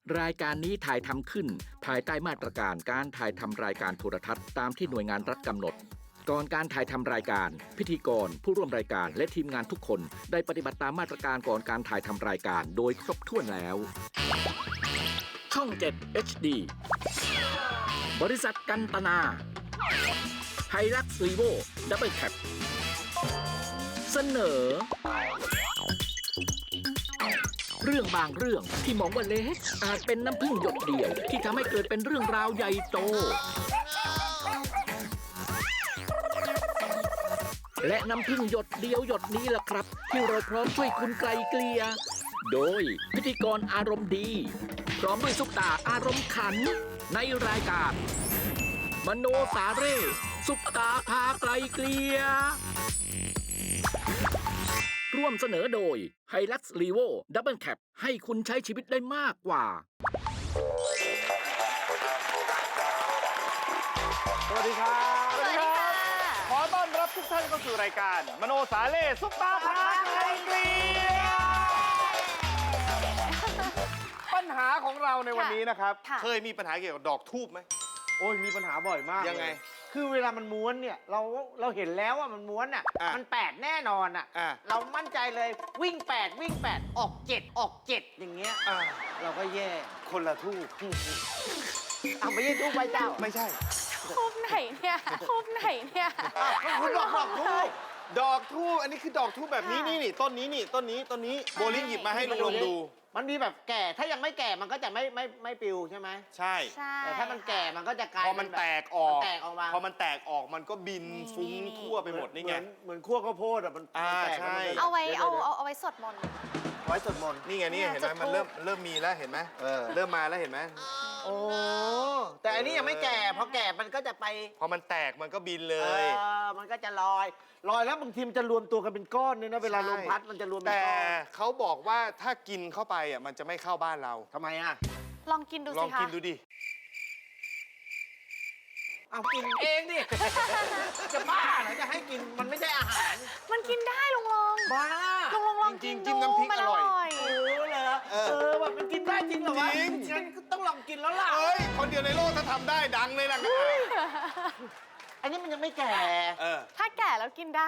รายการนี้ถ่ายทำขึ้นภายใต้มาตรการการถ่ายทำรายการโทรทัศน์ตามที่หน่วยงานรัฐกำหนดก่อนการถ่ายทำรายการพิธีกรผู้ร่วมรายการและทีมงานทุกคนได้ปฏิบัติตามมาตรการก่อนการถ่ายทำรายการโดยครบถ้วนแล้วช่อง 7 HD บริษัทกันตนาไฮลักซ์รีโวดับเบิลแคปเสนอเรื่องบางเรื่องที่มองว่าเล็กอาจเป็นน้ำพึ่งหยดเดียวที่ทำให้เกิดเป็นเรื่องราวใหญ่โตและน้ำพึ่งหยดเดียวหยดนี้ล่ะครับที่เราพร้อมช่วยคุณไกลเกลี่ยโดยพิธีกรอารมณ์ดีพร้อมด้วยซุปตาอารมณ์ขันในรายการมโนสาเร่ซุปตาพาไกลเกลี่ยร่วมเสนอโดย Hilux Revo Double Cab ให้คุณใช้ชีวิตได้มากกว่าสวัสดีครับสวัสดีค่ะขอต้อนรับทุกท่านเข้าสู่รายการมโนสาเล่ซุปตาพาไกลเกลี่ยปัญหาของเราในวันนี้นะครับค่ะเคยมีปัญหาเกี่ยวกับดอกทูบไหมโอ้ยมีปัญหาบ่อยมากยังไงคือเวลามันม้วนเนี่ยเราเห็นแล้วว่ามันม้วนอ่ะอ่ะมัน8แน่นอนอ่ะอ่ะเรามั่นใจเลยวิ่ง8ออก7ออก7อย่างเงี้ยอ่าเราก็แย่คนละทูบเอาไม่ใช่ทุกใบเจ้าไม่ใช่ทูบไหนเนี่ยทูบไหนเนี่ยอ้าวคุณบอกทูบดอกทูบอันนี้คือดอกทูบแบบนี้นี่ต้นนี้ต้นนี้โบลิ่งหยิบมาให้ลุงดูมันมีแบบแก่ถ้ายังไม่แก่มันก็จะไม่ปลิวใช่ไหมใช่ใช่แต่ถ้ามันแก่มันก็จะกลายพอมันแตกออกแตกออกมาพอมันแตกออกมันก็บินฟุ้งทั่วไปหมดนี่ไงเหมือนขั้วข้าวโพดอ่ะมันอ่าแตกใช่เอาไว้ดี๋ยเอาไว้สวดมนต์ไว้สวดมนต์นี่ไงนี่เนี่ยเห็นไหมจุดมันธูปเริ่มมีแล้วเห็นไหม เริ่มมาแล้วเห็นไหมโอ้แต่อันนี้ยังไม่แก่พอแก่มันก็จะไปพอมันแตกมันก็บินเลเอย มันก็จะลอยแล้วบางทีมันจะรวมตัวกันเป็นก้อนเนี่ยนะเวลาลมพัดมันจะรวมเป็นแต่ก้อนเขาบอกว่าถ้ากินเข้าไปอ่ะมันจะไม่เข้าบ้านเราทำไมอ่ะลองกินดูลอสิงคะกินดูดิเอากินเองดิ จะบ้าเหรอจะให้กินมันไม่ใช่อาหารมันกินได้ลุงลงบ้าลองกินจริงๆจิ้ดูมน้ำพริกมันอร่อยโอ้เหรอแบบมันกินได้จริงเหรอวะจริงงั้นก็ต้องลองกินแล้วล่ะเอ้ยคนเดียวในโลกถ้าทำได้ดังเลยล่ะอันนี้มันยังไม่แก่ถ้าแก่แล้วกินได้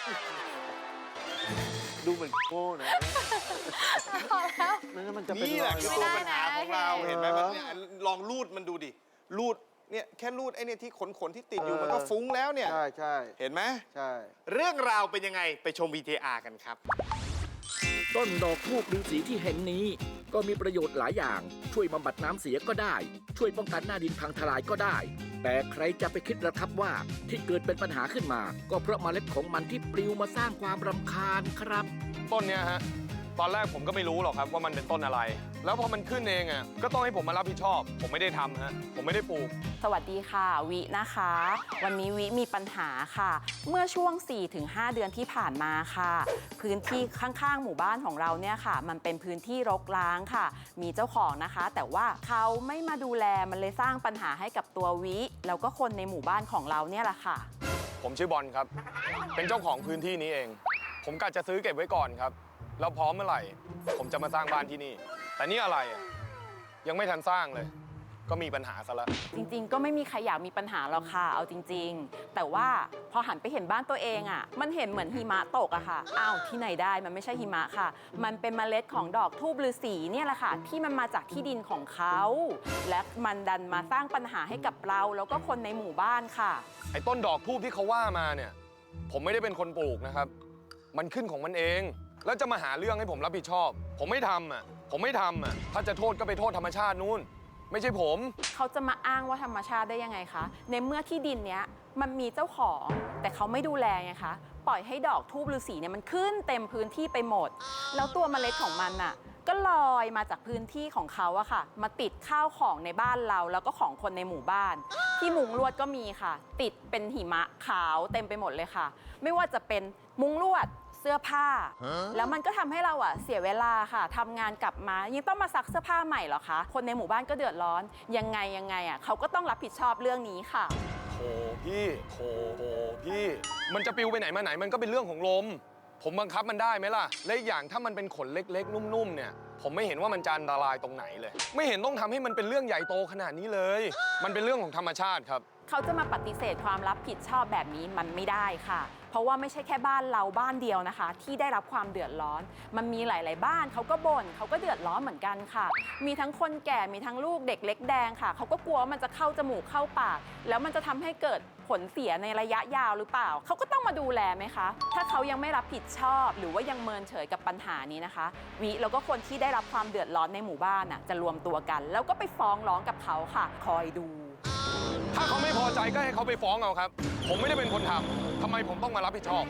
ดูเหมือนโก้นะพอแล้วมันจะเป็นนี่แหละคือไม่ตัวได้ปัญหานะของเราโอเคเห็นไหมมันเนี่ยลองรูดมันดูดิรูดเนี่ยแค่รูดไอ้เนี่ยที่ขนที่ติดอยู่มันก็ฟุ้งแล้วเนี่ยใช่เห็นไหมใช่เรื่องราวเป็นยังไงไปชม VTR กันครับต้นดอกทูบฤาษีที่เห็นนี้ก็มีประโยชน์หลายอย่างช่วยบำบัดน้ำเสียก็ได้ช่วยป้องกันหน้าดินพังทลายก็ได้ แต่ใครจะไปคิดระทับว่าที่เกิดเป็นปัญหาขึ้นมา ก็เพราะเมล็ดของมันที่ปลิวมาสร้างความรำคาญครับต้นเนี้ยฮะ ตอนแรกผมก็ไม่รู้หรอกครับว่ามันเป็นต้นอะไร แล้วพอมันขึ้นเองอ่ะก็ต้องให้ผมมารับผิดชอบ ผมไม่ได้ทำฮะผมไม่ได้ปลูกสวัสดีค่ะวินะคะ วันนี้วิมีปัญหาค่ะ เมื่อช่วง 4-5 เดือนที่ผ่านมาค่ะ พื้นที่ข้างๆหมู่บ้านของเราเนี่ยค่ะ มันเป็นพื้นที่รกร้างค่ะ มีเจ้าของนะคะ แต่ว่าเขาไม่มาดูแลมันเลยสร้างปัญหาให้กับตัววิแล้วก็คนในหมู่บ้านของเราเนี่ยแหละค่ะผมชื่อบอลครับ เป็นเจ้าของพื้นที่นี้เอง ผมกะจะซื้อเก็บไว้ก่อนครับ แล้วพร้อมเมื่อไหร่ ผมจะมาสร้างบ้านที่นี่ แต่นี่อะไรอ่ะยังไม่ทันสร้างเลย ก็มีปัญหาซะแล้วจริงๆ ก็ไม่มีใครอยากมีปัญหาหรอกค่ะ เอาจริงๆ แต่ว่าพอหันไปเห็นบ้านตัวเองอ่ะ มันเห็นเหมือนหิมะตกอะค่ะ อ้าวที่ไหนได้มันไม่ใช่หิมะค่ะ มันเป็นเมล็ดของดอกทูบฤาษีเนี่ยแหละค่ะ ที่มันมาจากที่ดินของเขา และมันดันมาสร้างปัญหาให้กับเราแล้วก็คนในหมู่บ้านค่ะไอ้ต้นดอกทูบที่เขาว่ามาเนี่ย ผมไม่ได้เป็นคนปลูกนะครับ มันขึ้นของมันเอง แล้วจะมาหาเรื่องให้ผมรับผิดชอบ ผมไม่ทำอ่ะถ้าจะโทษก็ไปโทษธรรมชาตินู่น ไม่ใช่ผมเขาจะมาอ้างว่าธรรมชาติได้ยังไงคะ ในเมื่อที่ดินเนี้ยมันมีเจ้าของ แต่เขาไม่ดูแลไงคะ ปล่อยให้ดอกทูบฤาษีเนี่ยมันขึ้นเต็มพื้นที่ไปหมด แล้วตัวเมล็ดของมันน่ะก็ลอยมาจากพื้นที่ของเขาอะค่ะ มาติดข้าวของในบ้านเราแล้วก็ของคนในหมู่บ้าน ที่มุงลวดก็มีค่ะ ติดเป็นหิมะขาวเต็มไปหมดเลยค่ะ ไม่ว่าจะเป็นมุงลวด เสื้อผ้า แล้วมันก็ทำให้เราอะเสียเวลาค่ะทำงานกลับมายังต้องมาซักเสื้อผ้าใหม่เหรอคะคนในหมู่บ้านก็เดือดร้อนยังไงอะเขาก็ต้องรับผิดชอบเรื่องนี้ค่ะโถพี่โถพี่ มันจะปลิวไปไหนมาไหนมันก็เป็นเรื่องของลม ผมบังคับมันได้ไหมล่ะ และอีกอย่างถ้ามันเป็นขนเล็กๆ นุ่มๆ เนี่ย ผผมไม่เห็นว่ามันจะอันตรายตรงไหนเลย ไม่เห็นต้องทำให้มันเป็นเรื่องใหญ่โตขนาดนี้เลย มันเป็นเรื่องของธรรมชาติครับเขาจะมาปฏิเสธความรับผิดชอบแบบนี้มันไม่ได้ค่ะ เพราะว่าไม่ใช่แค่บ้านเราบ้านเดียวนะคะ ที่ได้รับความเดือดร้อน มันมีหลาย ๆ บ้านเขาก็บ่นเขาก็เดือดร้อนเหมือนกันค่ะ มีทั้งคนแก่มีทั้งลูกเด็กเล็กแดงค่ะเขาก็กลัวว่ามันจะเข้าจมูกเข้าปาก แล้วมันจะทำให้เกิดผลเสียในระยะยาวหรือเปล่าเขาก็ต้องมาดูแลไหมคะ ถ้าเขายังไม่รับผิดชอบหรือว่ายังเมินเฉยกับปัญหานี้นะคะวิแล้วก็คนที่ได้รับความเดือดร้อนในหมู่บ้านน่ะจะรวมตัวกัน แล้วก็ไปฟ้องร้องกับเขาค่ะ คอยดูถ้าเขาไม่พอใจก็ให้เขาไปฟ้องเอาครับ ผมไม่ได้เป็นคนทำทำไมผมต้องมารับผิดชอบ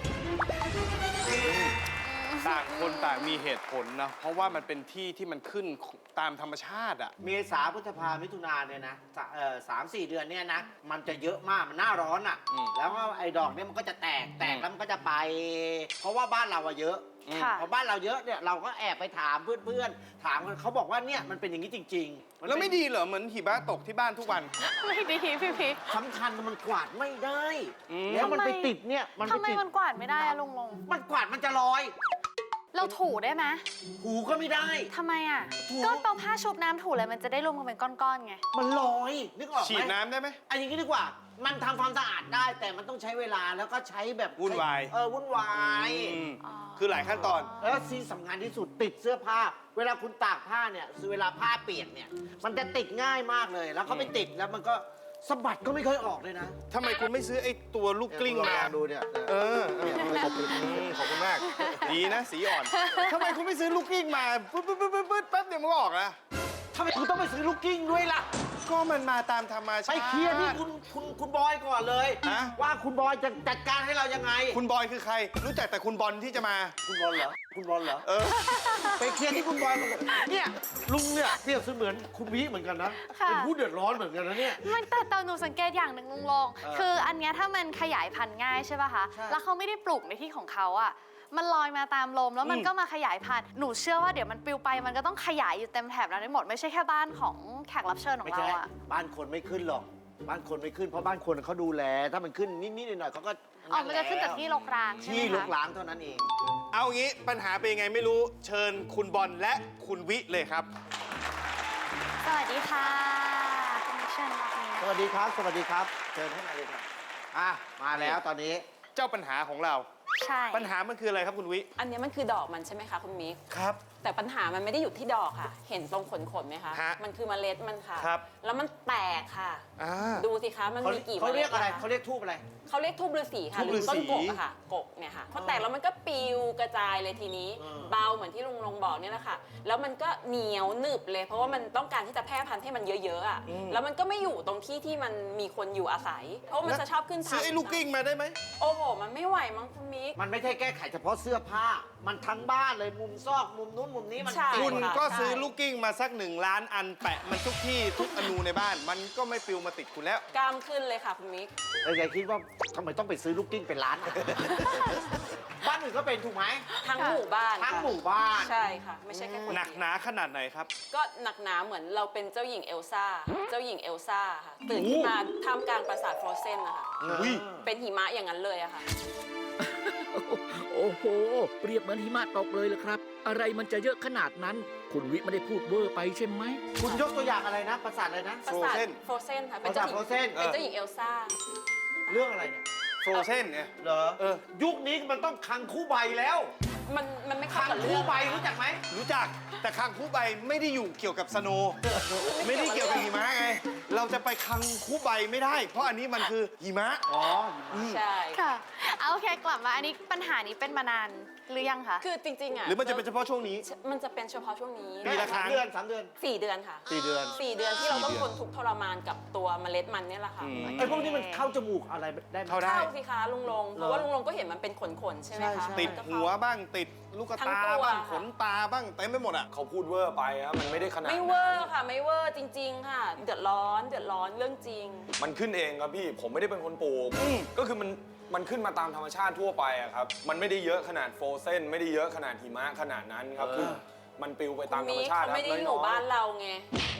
ต่างคนต่างมีเหตุผลนะ เพราะว่ามันเป็นที่ที่มันขึ้นตามธรรมชาติอ่ะเมษาพฤษภามิถุนาเนี่ยนะ3-4 เดือนเนี่ยนะ มันจะเยอะมากมันหน้าร้อนอ่ะ แล้วก็ไอ้ดอกเนี่ยมันก็จะแตกแล้วมันก็จะไป เพราะว่าบ้านเราอะเยอะค่ะพอบ้านเราเยอะเนี่ยเราก็แอบไปถามเพื่อนๆถามกันเขาบอกว่าเนี่ยมันเป็นอย่างนี้จริงๆนแล้วไม่ดีเหรอเหมือนหิมะตกที่บ้านทุกวันไม่ดีพี่พีคสำคัญมันกวาดไม่ได้อืมแล้วมันไปทำไมติดเนี่ยมันทำไปไมติดมันกวาดไม่ได้อะลุงลงมันกวาดมันจะลอยเราถูได้ไหมหูก็ไม่ได้ทำไมอ่ะถูก็เอาผ้าชุบน้ำถูเลยมันจะได้รวมกันเป็นก้อนๆไงมันลอยนึกออกไหมฉีดน้ำได้ไหมอันอย่างนี้ดีกว่า มันทำความสะอาดได้ แต่มันต้องใช้เวลาแล้วก็ใช้แบบวุ่นวายวุ่นวายอืมอ๋อคือหลายขั้นตอนแล้วสิ่งสำคัญที่สุดติดเสื้อผ้า เวลาคุณตากผ้าเนี่ยเวลาผ้าเปียกเนี่ย มันจะติดง่ายมากเลย แล้วเขาไปติดแล้วมันก็สะบัดก็ไม่ค่อยออกเลยนะทำไมคุณไม่ซื้อไอ้ตัวลูกกลิ้งมาดูเนี่ยขอบคุณมาก ดีนะ สีอ่อน ทำไมคุณไม่ซื้อลูกกลิ้งมาปึ๊ดแป๊บเดียวมันก็ออกแล้วทำไมคุณต้องไปซื้อลูกกิ้งด้วยล่ะก็มันมาตามธรรมชาไปติเคลียร์ที่คุณบอยก่อนเลยฮะว่าคุณบอยจะจัดการให้เรายังไงคุณบอยคือใคร รู้จักแต่คุณบอลที่จะมาคุณบอลเหรอ คุณบอลเหรอเออไปเคลียร์ที่คุณบอยก่อนเนี่ยลุงเนี่ยเปรียบเสมือนคุณวิเหมือนกันนะค่ะเป็นผู้เดือดร้อนเหมือนกันนะเนี่ยมันแต่หนูสังเกตอย่างหนึ่งลุงลง คืออันเนี้ยถ้ามันขยายพันธุ์ง่ายใช่ป่ะคะใช่แล้วเขาไม่ได้ปลูกในที่ของเขาอ่ะ มันลอยมาตามลมแล้วมันก็มาขยายพันธุ์ หนูเชื่อว่าเดี๋ยวมันปลิวไปมันก็ต้องขยายอยู่เต็มแถบนั้นได้หมด ไม่ใช่แค่บ้านของแขกรับเชิญของไม่เราใช่อ่ะบ้านคนไม่ขึ้นหรอก บ้านคนไม่ขึ้นเพราะบ้านคนเขาดูแล ถ้ามันขึ้นนิดๆหน่อยๆเขาก็อ๋อ มันจะขึ้นจากที่รกร้างใช่ไหมที่คะลกล้างเท่านั้นเองเอางี้ปัญหาเป็นยังไงไม่รู้ เชิญคุณบอลและคุณวิเลยครับสวัสดีค่ะคุณมิชชั่นรอบนี้สวัสดีครับ สวัสดีครับ เชิญให้มาเลยครับมาแล้วตอนนี้เจ้าปัญหาของเราใช่ปัญหามันคืออะไรครับคุณวิอันนี้มันคือดอกมันใช่ไหมคะคุณมิกครับแต่ปัญหามันไม่ได้อยู่ที่ดอกค่ะ เห็นตรงขนไหมคะฮะมันคือเมล็ดมันค่ะครับแล้วมันแตกค่ะอ่าดูสิคะ มันมีกี่เขาเรียกอะไรมล็ดนคเขาเรียกทูบอะไรเขาเรียกทูบฤาษีค่ะทูบหรือต้นฤาษีกกอะค่ะ กกเนี่ยค่ะพอแตกแล้วมันก็ปลิวกระจายเลยทีนี้ เบาเหมือนที่ลุงลงบอกเนี่ยแหละค่ะ แล้วมันก็เหนียวหนึบเลย เพราะว่ามันต้องการที่จะแพร่พันธุ์ให้มันเยอะๆอ่ะ แล้วมันก็ไม่อยู่ตรงที่ที่มันมีคนอยู่อาศัย เพราะมันจะชอบขึ้นซื้อไอ้ลูกกลิ้งมาได้ไหมโอ้โห มันไม่ไหวมั้งคุณมิกมันไม่ใช่แก้ไขเฉพาะเสื้อผ้า มันทั้งบ้านเลยมุมซอกมุมนู้นมุมนี้มันใช่คุณค่ะก็ใช่ซื้อลูกกิ้งมาสัก1 ล้านอันแปะมันทุกที่ทุกอนูในบ้าน มันก็ไม่ปลิวมาติดคุณแล้วกล้ามขึ้นเลยค่ะคุณมิกแต่ยายคิดว่าทำไมต้องไปซื้อลูกกิ้งเป็นล้านอะ บ้านอื่นก็เป็นถูกไหมทั้งหมู่บ้านทั้งค่ะหมู่บ้านใช่ค่ะ ไม่ใช่แค่คนหนักเดียวหนาขนาดไหนครับก็หนักหนาเหมือนเราเป็นเจ้าหญิงเอลซ่า เจ้าหญิงเอลซ่าค่ะ ตื่นขึ้นมาท่ามกลางปราสาทฟรอเซนนะคะอุ้ยเป็นหิมะอย่างนั้นเลยอะค่ะโอ้โห เปรียบเหมือนหิมะตกเลยละครับ อะไรมันจะเยอะขนาดนั้น คุณวิไม่ได้พูดเวอร์ไปใช่ไหมคุณยกตัวอย่างอะไรนะปราสาทอะไรนะปราสาท Frozen ฟรอเซนค่ะ เป็นเจ้าหญิงปราสาท Frozen เป็นเจ้าหญิงเอลซ่าเรื่องอะไรเนี่ยโฟรเซนเนี่ยเหรอ ยุคนี้มันต้องคังคู่ใบแล้วมันไม่เข้าคังกับเรื่คู่องใบรู้จักไหมรู้จักแต่คังคูใบไม่ได้อยู่เกี่ยวกับสโนว์ไม่ได้เกี่ยวกับหิมะไง เราจะไปคังคูใบไม่ได้ เพราะอันนี้มันคือหิมะอ๋อใช่ค่ะเอาโอเคกลับมาอันนี้ปัญหานี้เป็นมานานหรือยังคะคือจริงๆอะหรือมันจะเป็นเฉพาะช่วงนี้มันจะเป็นเฉพาะช่วงนี้ปีละครั้ง 3 เดือน 3 เดือน 4 เดือนค่ะ 4 เดือน 4 เดือนที่เราต้อง 4 ทนทุกข์ทรมานกับตัวเมล็ดมันเนี่ยแหละค่ะไอ้พวกนี้มันเข้าจมูกอะไรได้ไหมเข้าได้เข้าสิคะลุงลง เพราะว่าลุงลงก็เห็นมันเป็นขนๆใช่ไหมคะใช่ติดมันก็หัเข้าวบ้างติดลูกทั้งตาตัวบ้างขนตาบ้างเต็มไปหมดอ่ะเขาพูดเวอร์ไปครับมันไม่ได้ขนาดไม่นั้นเวอร์ค่ะ ไม่เวอร์จริง ๆ ค่ะ เดือดร้อนเรื่องจริงมันขึ้นเองครับพี่ ผมไม่ได้เป็นคนปลูก ก็คือมันขึ้นมาตามธรรมชาติทั่วไปอะครับ มันไม่ได้เยอะขนาดโฟรเซนไม่ได้เยอะขนาดหิมะขนาดนั้นครับ คือมันปลิวไปตามธรรมมีชาติเขาไม่ได้ครับอยู่น้อยๆบ้านเราไง ที่เขา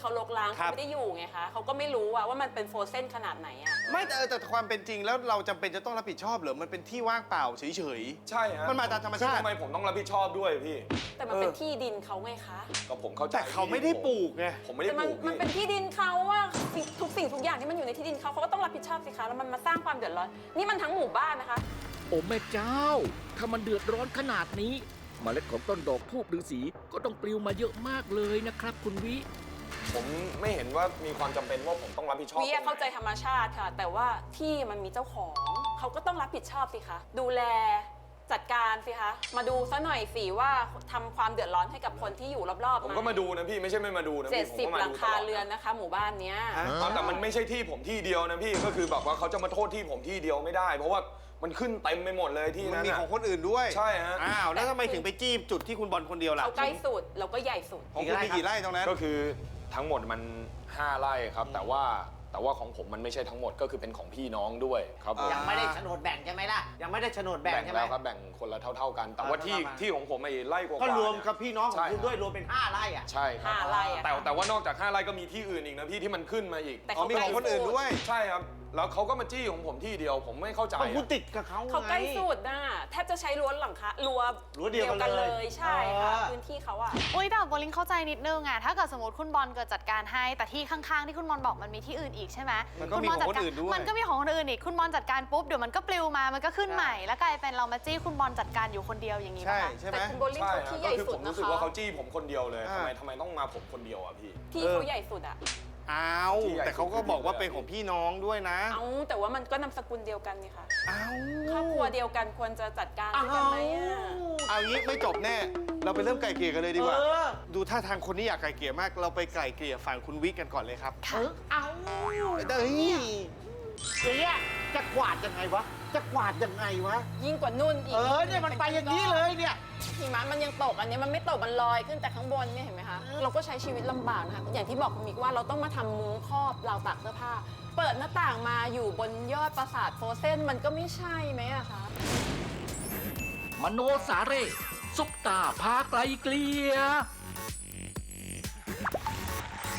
เขาลกล้างครัเขาบไม่ได้อยู่ไงคะเขาก็ไม่รู้ว่ามันเป็นโฟรเซนขนาดไหนอะไม่แต่ความเป็นจริงแล้วเราจำเป็นจะต้องรับผิดชอบเหรอมันเป็นที่ว่างเปล่าเฉยใช่ฮะมันมาตามธรรมชาติทำไมผมต้องรับผิดชอบด้วยพี่แต่มันเป็นที่ดินเขาไงคะก็ผมเข้าใจแต่เขาไม่ได้ปลูกไงผมไม่ได้แต่ปมันลูกมันพี่เป็นที่ดินเขาอะทุกสิ่งทุกอย่างที่มันอยู่ในที่ดินเขาก็ต้องรับผิดชอบสิคะแล้วมันมาสร้างความเดือดร้อนนี่มันทั้งหมู่บ้านนะคะโอ้แม่เจ้า ถ้ามันเดือดร้อนขนาดนี้ เมล็ดของต้นดอกทูบฤาษีก็ต้องปลิวมาเยอะมากเลยนะครับ คุณวิผมไม่เห็นว่ามีความจำเป็นว่าผมต้องรับผิดชอบวิเข้าใจธรรมชาติค่ะ แต่ว่าที่มันมีเจ้าของเขาก็ต้องรับผิดชอบสิคะดูแลจัดการสิคะมาดูซะหน่อยสิว่าทำความเดือดร้อนให้กับคนที่อยู่รอบๆผมก็มาดูนะพี่ไม่ใช่ไม่มาดูนะพี่ผมก็ 70 มาหลัดูงตคาลอดเรือนนะคะ หมู่บ้านเนี้ยแต่มันไม่ใช่ที่ผมที่เดียวนะพี่ก็คือแบบว่าเขาจะมาโทษที่ผมที่เดียวไม่ได้ เพราะว่ามันขึ้นเต็มไปหมดเลยที่มันนั้นมีน่ะของคนอื่นด้วยใช่ฮะอ้าวแล้วทำไมถึงไปจี้จุดที่คุณบอลคนเดียวล่ะเขาใกล้สุดเราก็ใหญ่สุดของคุณมีกี่ไร่ตรงนั้นก็คือทั้งหมดมัน 5 ไร่ครับ แต่ว่าของผมมันไม่ใช่ทั้งหมดก็คือเป็นของพี่น้องด้วยครับผมยังไม่ได้โฉนดแบ่งใช่ไหมล่ะ ยังไม่ได้โฉนดแบ่งแบ่งใช่ไหมแล้วครับแบ่งคนละเท่าๆกัน แต่ว่าที่ประมาณที่ของผมไอ้ไร่กว่าๆก็รวมเนี่ยกับพี่น้องของคุณใช่ด้วยรวมเป็น 5 ไร่อ่ะใช่ครับ 5 ไร่อะแต่ว่านอกจาก 5 ไร่ก็มีที่อื่นอีกนะพี่ที่มันขึ้นมาอีกแต่อ๋อเขามีของคนอื่นด้วยใช่ครับ แล้วเขาก็มาจี้ของผมที่เดียวผมไม่เข้าใจก็คุณอะติดกับเขาเขาใกล้ไงสุดน่ะแทบจะใช้รั้วหลังคารั้วรั้วเดียวกันเลยใช่ค่ะเออพื้นที่เขาอะอุ้ยแต่โบลิงเข้าใจนิดนึงอะถ้าเกิดสมมติคุณบอลเกิดจัดการให้ แต่ที่ข้างๆที่คุณบอลบอกมันมีที่อื่นอีกใช่ไหมมันก็มีของคนอื่นด้วยมันก็มีของคนอื่นอีกคุณบอลจัดการปุ๊บเดี๋ยวมันก็ปลิวมามันก็ขึ้นใหม่ แล้วกลายเป็นเรามาจี้คุณบอลจัดการอยู่คนเดียวอย่างนี้ใช่ป่ะคะใช่ไหมแต่คุณโบลิ่งใช่เขาฮะที่ใหก็ญ่คือสุผดมนะรู้สึกคะว่าเขาจี้ผมคนเดียวเลยอ่าทำไมต้องมาผมคนเดียวอ่ะพี่ที่เขาใหญ่สุดอะอ้าวที่ใหญ่แต่เขาก็บอกว่าเป็นของพี่น้องด้วยนะเอาแต่ว่ามันก็นามสกุลเดียวกันนี่ค่ะอ้าวครอบครัวเดียวกันควรจะจัดการด้วยกันไหมอะเอางี้ไม่จบแน่ เราไปเริ่มไกลเกลี่ยกันเลยดีกว่าเออดูท่าทางคนนี้อยากไกลเกลี่ยมาก เราไปไกลเกลี่ยฝั่งคุณวิกันก่อนเลยครับเอาเฮ้ยเนี่ยจะกวาดยังไงวะ จะกวาดยังไงวะยิ่งกว่านุ่นอีกเนี่ยมันไปอย่างนี้เลยเนี่ยหิมะมันยังตกอันนี้มันไม่ตกมันลอยขึ้นแต่ข้างบนเนี่ยเห็นไหมคะเราก็ใช้ชีวิตลำบากนะคะอย่างที่บอกคุณมิกว่าเราต้องมาทำมุ้งครอบราวตากเสื้อผ้า เปิดหน้าต่างมาอยู่บนยอดปราสาทโฟเซนมันก็ไม่ใช่ไหมอะคะมโนสาเร่ซุปตาพาไกลเกลีย